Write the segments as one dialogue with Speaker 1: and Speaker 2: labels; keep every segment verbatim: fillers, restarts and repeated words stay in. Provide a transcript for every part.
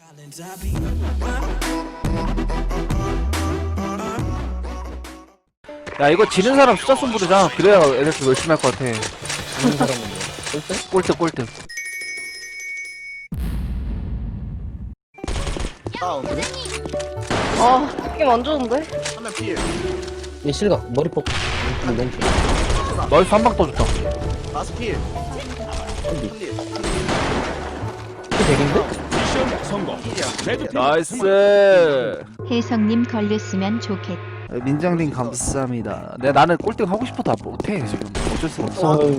Speaker 1: 야 이거 지는 사람 숫자 좀 부르자. 그래야 애들 좀 열심히 할 것 같아.
Speaker 2: 지는 사람은 뭐? 꼴등?
Speaker 1: 꼴등 꼴등.
Speaker 3: 다운.
Speaker 4: 아, 게임 안 좋은데?
Speaker 3: 한명 필.
Speaker 2: 얘 실각 머리 폭 너무 너무 좋아.
Speaker 1: 나이스 한방 떠줬다.
Speaker 3: 라스 필.
Speaker 2: 어디?
Speaker 3: 필.
Speaker 2: 백인데?
Speaker 5: 미션 성공. 레드 팀
Speaker 1: 나이스.
Speaker 6: 혜성님 걸렸으면 좋겠.
Speaker 1: 민정님 감사합니다. 내 나는 꼴등 하고 싶어도 못해 지금. 어쩔 수 없어.
Speaker 2: 어휴.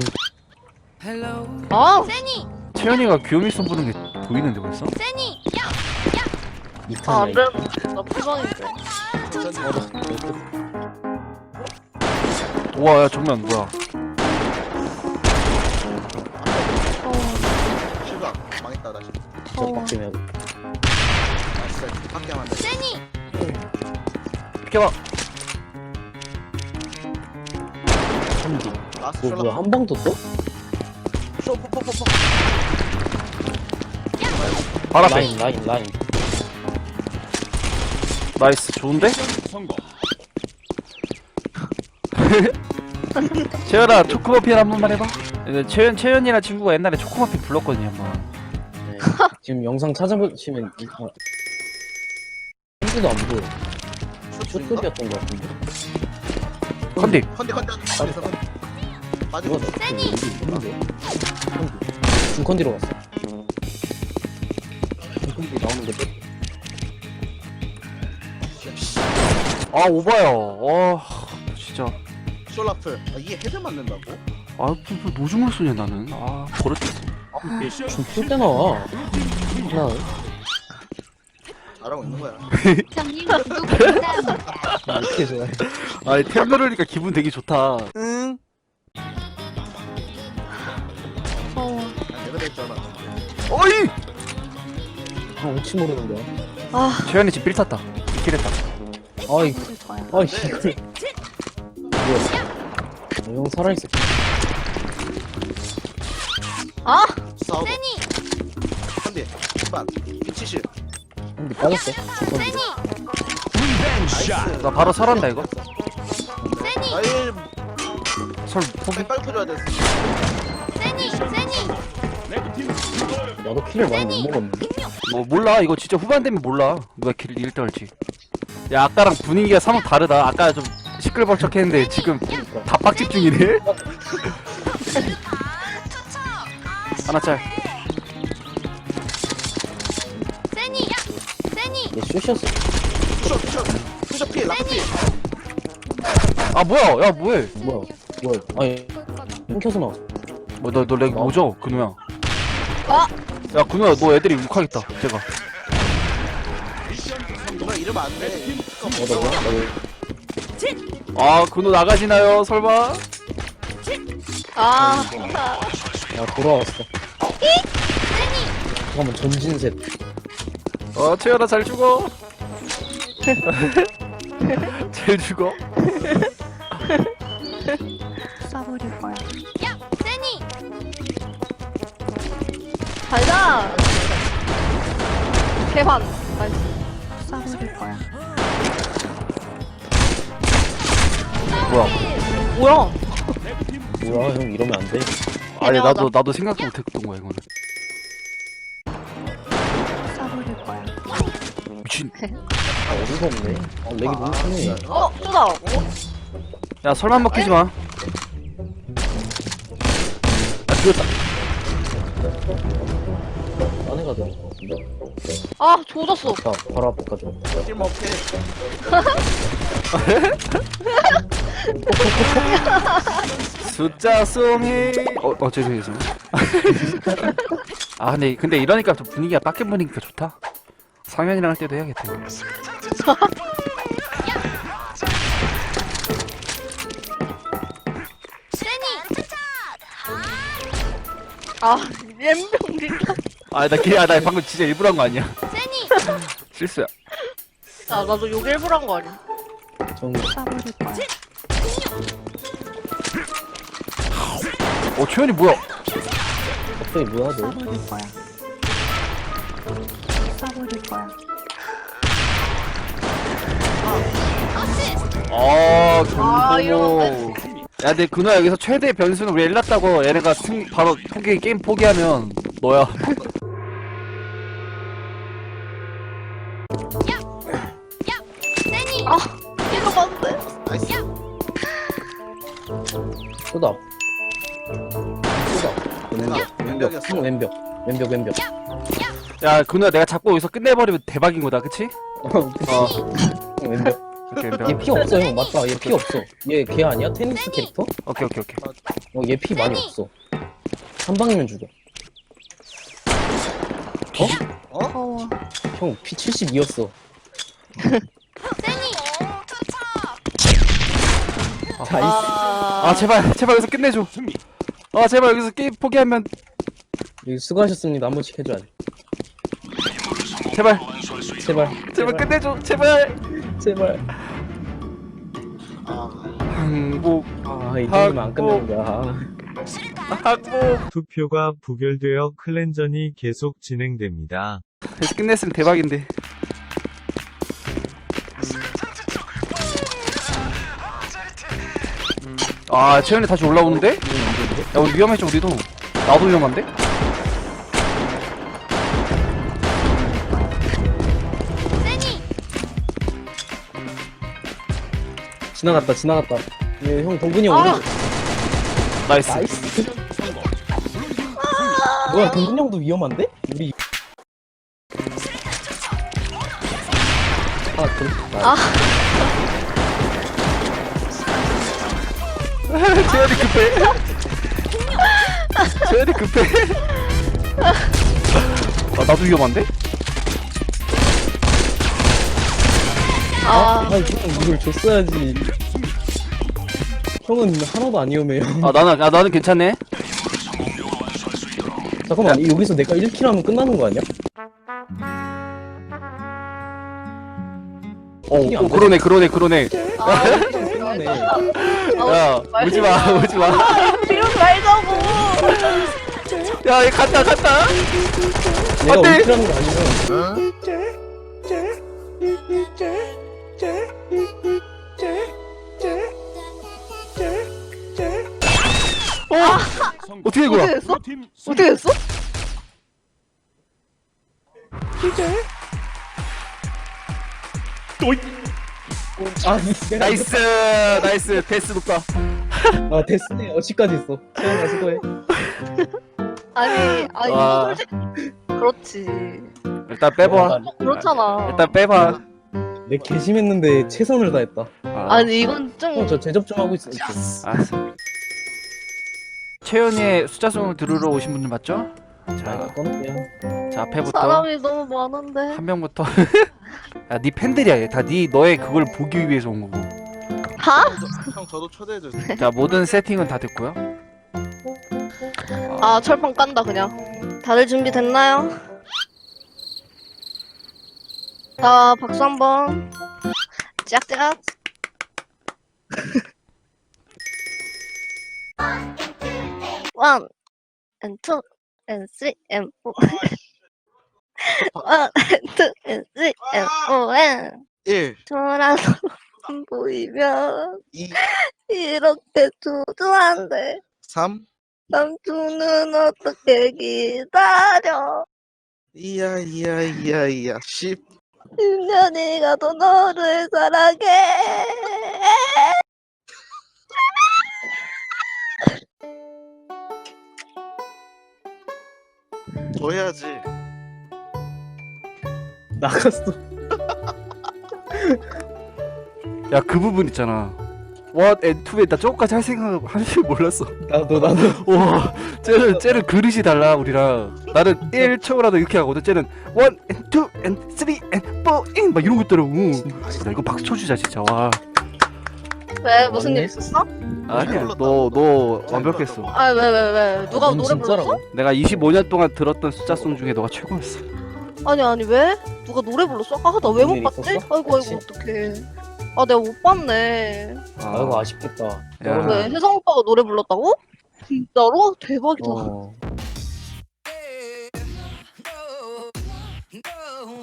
Speaker 4: 아,
Speaker 1: 채연이가 귀요미 손 부는 게 보이는데 벌써?
Speaker 2: 이
Speaker 4: 아, 안
Speaker 2: 칸
Speaker 4: 되는데. 나 부상인데.
Speaker 1: 우와 야 정면 뭐야?
Speaker 3: 실각. 망했다 다시.
Speaker 2: 저 바뀌면
Speaker 3: 나이스. 밖에 안 돼.
Speaker 1: 비켜봐.
Speaker 2: 한디.
Speaker 3: 라스
Speaker 2: 뭐 뭐야
Speaker 3: 셜락.
Speaker 2: 한 방도 또?
Speaker 3: 쇼 포포포포.
Speaker 1: 바로 앞에.
Speaker 2: 라인 라인 라인.
Speaker 1: 나이스 좋은데?
Speaker 5: 성공.
Speaker 1: 채연아 초코머핀 한 번만 해봐. 이제 채연 채연이랑 친구가 옛날에 초코머핀 불렀거든요 한번.
Speaker 2: 네. 지금 영상 찾아보시면 이 아. 한디도 안 보여. 쇼급이었던 것 같은데.
Speaker 1: 컨디.
Speaker 3: 컨디 컨디. 컨디 컨디. 빠지고.
Speaker 2: 누가 나 있는데? 컨디. 중컨디로 갔어. 중컨디 나오는 게 돼?
Speaker 1: 아 오바야. 와 진짜.
Speaker 3: 숄라플. 아, 이게 헤드 맞는다고?
Speaker 1: 아 무슨 노중을 쏘냐 나는. 아 버릇됐어.
Speaker 5: 미션
Speaker 2: 좀풀때 나와. 하나.
Speaker 3: 잘하고 있는 거야.
Speaker 6: 형님 구독 감사합니다.
Speaker 2: 아, 이렇게 좋아해.
Speaker 1: 아니 템 누르니까 기분 되게 좋다.
Speaker 3: 응.
Speaker 4: 어.
Speaker 3: 내가 됐잖아.
Speaker 1: 어이.
Speaker 2: 아, 혹시 모르는 거야.
Speaker 4: 아,
Speaker 1: 채연이 지금 빌 탔다. 킬했다.
Speaker 2: 아이, 아이, 이걸. 뭐야. 아, 형 살아있어.
Speaker 4: 아,
Speaker 3: 싸우고. 컨디. 반. 칠십.
Speaker 2: 근데 빠졌어. 중컨디.
Speaker 5: 샷.
Speaker 1: 나 바로 설한다 이거.
Speaker 3: 아이
Speaker 1: 설 포기.
Speaker 3: 빨리 터져야 돼.
Speaker 5: 레드 팀
Speaker 2: 나도 킬을 많이 못 먹었는데.
Speaker 1: 뭐 몰라 이거 진짜 후반 되면 몰라 누가 길 일 떨지. 야 아까랑 분위기가 사뭇 다르다. 아까 좀 시끌벅적했는데 지금 다 빡집 중이네. 하나 짤.
Speaker 2: 얘 슛이었어.
Speaker 3: 쇼 쇼. 쇼 필. 라스 필.
Speaker 1: 아 뭐야 야 뭐해.
Speaker 2: 뭐야. 뭐야. 아니, 끊겨서 나왔어.
Speaker 1: 뭐 너 너 렉 뭐죠 근우야.
Speaker 4: 아!
Speaker 1: 야 근우야 너 애들이 욕하겠다 제가.
Speaker 3: 너 이러면 안 돼.
Speaker 2: 어, 나 뭐야? 나 왜.
Speaker 1: 아 근우 나가시나요 설마?
Speaker 4: 아,
Speaker 2: 아, 돌아왔어. 잠깐만, 전진셋.
Speaker 1: 어 채연아 잘 죽어. 잘 죽어.
Speaker 6: 쏴버릴 거야.
Speaker 4: 가자. 개환. 나이스.
Speaker 6: 쏴버릴 거야.
Speaker 1: 뭐야?
Speaker 4: 뭐야?
Speaker 2: 뭐야, 형 이러면 안 돼.
Speaker 1: 아니
Speaker 4: 애매하다.
Speaker 1: 나도 나도 생각도 못했던 거야 이거는.
Speaker 6: 쏴버릴 거야.
Speaker 1: 미친.
Speaker 2: 아, 어디가 없네. 아, 렉이 너무 심해.
Speaker 4: 어, 쏘다.
Speaker 1: 야 설마 먹히지 마. 야 죽였다.
Speaker 2: 딴 애가 들어온 것 같은데.
Speaker 4: 아, 조졌어.
Speaker 2: 자, 바로 앞에까지.
Speaker 3: 킬 먹게.
Speaker 1: 숫자 쏘미. 어, 어 죄송해요. 죄송해요. 아 근데 근데 이러니까 좀 분위기가 빡게 보니까 좋다. 상현이랑 할 때도 해야겠다.
Speaker 4: 아, 엠병 진짜.
Speaker 1: 아나 아, 나 방금 진짜 일부러 한 거 아니야. 실수야.
Speaker 4: 아, 나도 욕 일부러 한 거 아니야.
Speaker 2: 정
Speaker 6: 쏴버릴 거야.
Speaker 1: 어 최현이 뭐야?
Speaker 2: 갑자기 뭐야 너?
Speaker 6: 쏴버릴 거야. 쏴버릴 거야.
Speaker 1: 어,
Speaker 4: 아,
Speaker 1: 경고.
Speaker 4: 이러는데?
Speaker 1: 야, 내 그누야 여기서 최대 변수는 우리 엘났다고 얘네가 승 바로 포기 게임 포기하면 너야.
Speaker 4: 아, 이거 맞네.
Speaker 3: 나이스.
Speaker 2: 쏟아. 쏟아. 왼벽, 왼벽,
Speaker 3: 왼벽이었어.
Speaker 2: 형 왼벽, 왼벽, 왼벽.
Speaker 1: 야, 그누야 내가 자꾸 여기서 끝내버리면 대박인 거다, 그치? 어,
Speaker 2: 형 왼벽.
Speaker 1: 오케이,
Speaker 2: 얘
Speaker 1: 오케이,
Speaker 2: 피 없어, 형. 맞다. 얘 피 없어. 얘 걔 아니야? 테니스 캐릭터?
Speaker 1: 오케이, 오케이, 오케이.
Speaker 2: 어, 얘 피 많이 없어. 한 방이면 죽어.
Speaker 6: 어,
Speaker 2: 형, 피 칠십이였어. 나이스.
Speaker 4: 아,
Speaker 1: 아, 제발, 제발 여기서 끝내줘.
Speaker 5: 승리.
Speaker 1: 아, 제발 여기서 게임 포기하면
Speaker 2: 여기 수고하셨습니다. 한 번씩 해줘야 돼.
Speaker 1: 제발,
Speaker 2: 제발.
Speaker 1: 제발 끝내줘, 제발.
Speaker 2: 제발.
Speaker 3: 아,
Speaker 1: 항복,
Speaker 2: 아, 이 정도면 안 끝나는 거야.
Speaker 1: 항복.
Speaker 7: 투표가 부결되어 클랜전이 계속 진행됩니다.
Speaker 1: 여기서 끝냈으면 대박인데. 아, 채연이 다시 올라오는데? 야, 우리 위험했죠, 우리도. 나도 위험한데?
Speaker 2: 지나갔다, 지나갔다. 얘, 형, 동근이 형,
Speaker 4: 아!
Speaker 2: 오른쪽.
Speaker 1: 나이스.
Speaker 2: 나이스.
Speaker 5: 성공.
Speaker 2: 뭐야, 동근이 형도 위험한데? 우리. 아, 그래.
Speaker 4: 아.
Speaker 1: 채연이 급해. 채연이 급해. 아, 나도 위험한데?
Speaker 2: 아,
Speaker 4: 아,
Speaker 2: 형, 이걸 줬어야지. 형은 하나도 안 위험해요.
Speaker 1: 아, 나는, 아, 나는 괜찮네.
Speaker 2: 잠깐만, 여기서 내가 일 킬 하면 끝나는 거 아니야?
Speaker 1: 어, 어, 그러네, 그러네, 그러네.
Speaker 4: 아,
Speaker 2: 끝나네.
Speaker 1: 야, 오지 마, 오지 마.
Speaker 4: 이러지 말자고.
Speaker 1: 야, 얘 간다, 간다.
Speaker 2: 내가
Speaker 1: 안 돼.
Speaker 2: 일 킬 하는 거 아니면.
Speaker 5: 성공.
Speaker 1: 어떻게 된 거야?
Speaker 4: 어떻게 됐어?
Speaker 5: 팀
Speaker 4: 어떻게 됐어?
Speaker 2: 아, 내가
Speaker 1: 나이스, 나이스, 데스 높다.
Speaker 2: 아, 됐네. 어치까지 있어. 채영아, 수고해.
Speaker 4: 아니, 아니,
Speaker 1: 와.
Speaker 4: 솔직히. 그렇지.
Speaker 1: 일단 빼봐.
Speaker 2: 나-
Speaker 4: 그렇잖아.
Speaker 1: 일단 빼봐.
Speaker 2: 내 개심했는데 최선을 다했다.
Speaker 1: 아,
Speaker 4: 아니, 이건 좀.
Speaker 2: 형, 저 제접 좀 하고 있어.
Speaker 1: 알았어. 채연이의 숫자송을 들으러 오신 분들 맞죠?
Speaker 2: 자,
Speaker 1: 자,
Speaker 2: 꺼놓을게요.
Speaker 1: 자 앞에부터
Speaker 4: 사람이 너무 많은데.
Speaker 1: 한 명부터. 야, 네 팬들이야. 얘. 다 네 너의 그걸 보기 위해서 온 거고.
Speaker 4: 하?
Speaker 3: 형 저도 초대해줘.
Speaker 1: 자, 모든 세팅은 다 됐고요.
Speaker 4: 아, 철판 깐다, 그냥. 다들 준비됐나요? 자, 박수 한 번. 짝짝. 원, and two, and three, and four. 원, and two, and three, and four, and
Speaker 3: 일,
Speaker 4: 돌아서 안 보이면
Speaker 3: 이,
Speaker 4: 이렇게 두두한데
Speaker 3: 삼,
Speaker 4: 삼촌은 어떻게 기다려?
Speaker 3: 이야, 이야, 이야, 이야, 십.
Speaker 4: 십 년이 가도 너를 사랑해.
Speaker 3: 더 해야지.
Speaker 2: 나갔어.
Speaker 1: 야, 그 부분 있잖아. What and to에 나 저거까지 할 생각 할 줄 몰랐어.
Speaker 2: 나도, 나도.
Speaker 1: 와, 쟤는 쟤는 그릇이 달라 우리랑. 나는 일 초라도 이렇게 하거든. 쟤는 one and two and three and four and 막 이런 거 있더라고. 나 이거 박수 쳐주자 진짜. 와.
Speaker 4: 왜 무슨
Speaker 2: 맞네.
Speaker 4: 일 있었어?
Speaker 1: 아니야, 너 너 완벽했어.
Speaker 4: 아 왜 왜 왜 누가
Speaker 2: 넌
Speaker 4: 노래 불렀어?
Speaker 2: 진짜라고?
Speaker 1: 내가 이십오 년 동안 들었던 숫자송 중에 너가 최고였어.
Speaker 4: 아니 아니 왜? 누가 노래 불렀어? 아 나 왜 못
Speaker 2: 무슨 일
Speaker 4: 봤지?
Speaker 2: 있었어?
Speaker 4: 아이고
Speaker 2: 같이?
Speaker 4: 아이고 어떡해. 아 내가 못 봤네.
Speaker 2: 아이고, 아쉽겠다.
Speaker 1: 야.
Speaker 4: 왜 혜성 오빠가 노래 불렀다고? 진짜로? 대박이다.
Speaker 2: 어.